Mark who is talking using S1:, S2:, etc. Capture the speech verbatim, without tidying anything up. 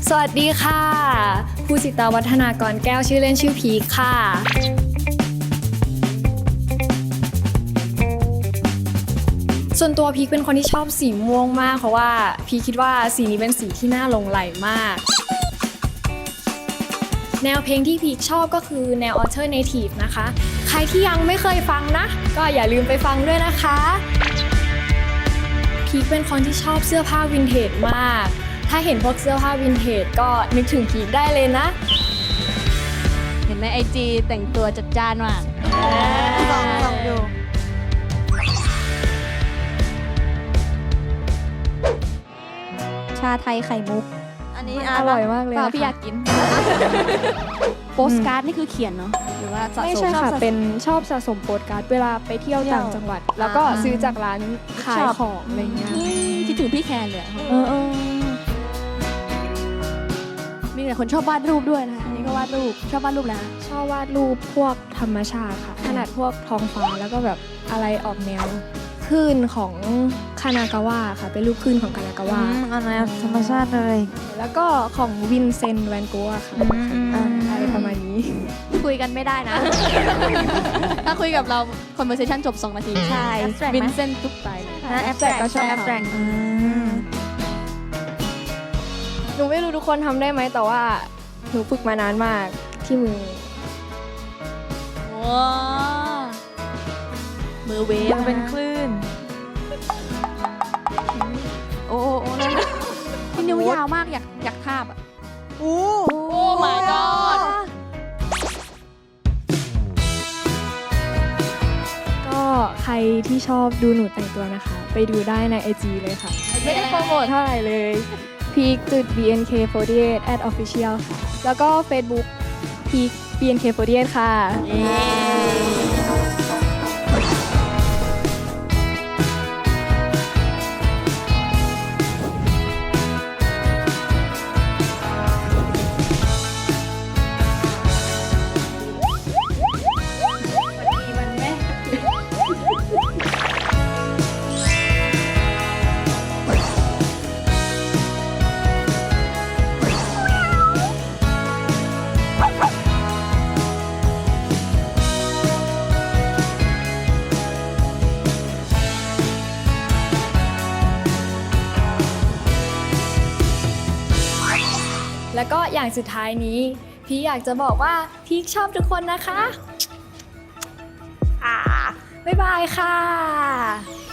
S1: สวัสดีค่ะภูสิตาวัฒนากรแก้วชื่อเล่นชื่อพีคค่ะส่วนตัวพีคเป็นคนที่ชอบสีม่วงมากเพราะว่าพีคคิดว่าสีนี้เป็นสีที่น่าหลงใหลมากแนวเพลงที่พีคชอบก็คือแนว Alternative นะคะใครที่ยังไม่เคยฟังนะก็อย่าลืมไปฟังด้วยนะคะพีคเป็นคนที่ชอบเสื้อผ้าวินเทจมากถ้าเห็นพวกเสื้อผ้าวินเทจก็นึกถึงพีคได้เลยนะ
S2: เห็นในไอจีแต่งตัวจัดจ้านมาก
S3: ลองลองดูชาไทยไข่มุกอันนี้อร่อยมากเลย
S2: พี่อยากกินโปสการ์ดนี่คือเขียนเนาะหรือว่าสะสม
S1: ไม่ใช่ค่ะเป็นชอบสะสมโปสการ์ดเวลาไปเที่ยวต่างจังหวัดแล้วก็ซื้อจากร้านขายของอะไรเงี้ย
S2: คิดถึงพี่แคนเลย
S1: เออเออ
S2: มีแต่คนชอบวาดรูปด้วยนะคะนี่ก็วาดรูปชอบวาดรูปแล้ว
S1: ชอบวาดรูปพวกธรรมชาติค่ะขนาดพวกท้องฟ้าแล้วก็แบบอะไรออกแนวคลื่นของคานากาวะค่ะเป็นรูปคลื่นของคานากาวะ
S3: อันแนวธรรมชาติเลย
S1: แล้วก็ของวินเซนต์แวนโกะค่ะอะไรประมาณนี้
S2: คุยกันไม่ได้นะถ้าคุยกับเรา conversation จบสองนาที
S3: ใช่
S2: วินเซนต์ทุกไป
S3: เลยแอปแตรกก็ชอบแอปแตรก
S1: หนูไม่รู้ทุกคนทำได้ไหมแต่ว่าหนูฝึกมานานมากที่มือ
S2: ว้ามือเวฟ
S3: เป็นคลื่นโอ้โอ้นั่น
S2: ที่นิ้วยาวมากอยากอยากทาบอ่ะ
S3: โอ้
S2: โอ้ my god
S1: ก็ใครที่ชอบดูหนูแต่งตัวนะคะไปดูได้ใน ไอ จี เลยค่ะไม่ได้โปรโมทเท่าไหร่เลยพีคจุด บี เอ็น เค สี่สิบแปด at official ค่ะแล้วก็ Facebook พีค บี เอ็น เค สี่สิบแปด ค่ะแล้วก็อย่างสุดท้ายนี้พี่อยากจะบอกว่าพี่ชอบทุกคนนะคะอ่าบ๊ายบายค่ะ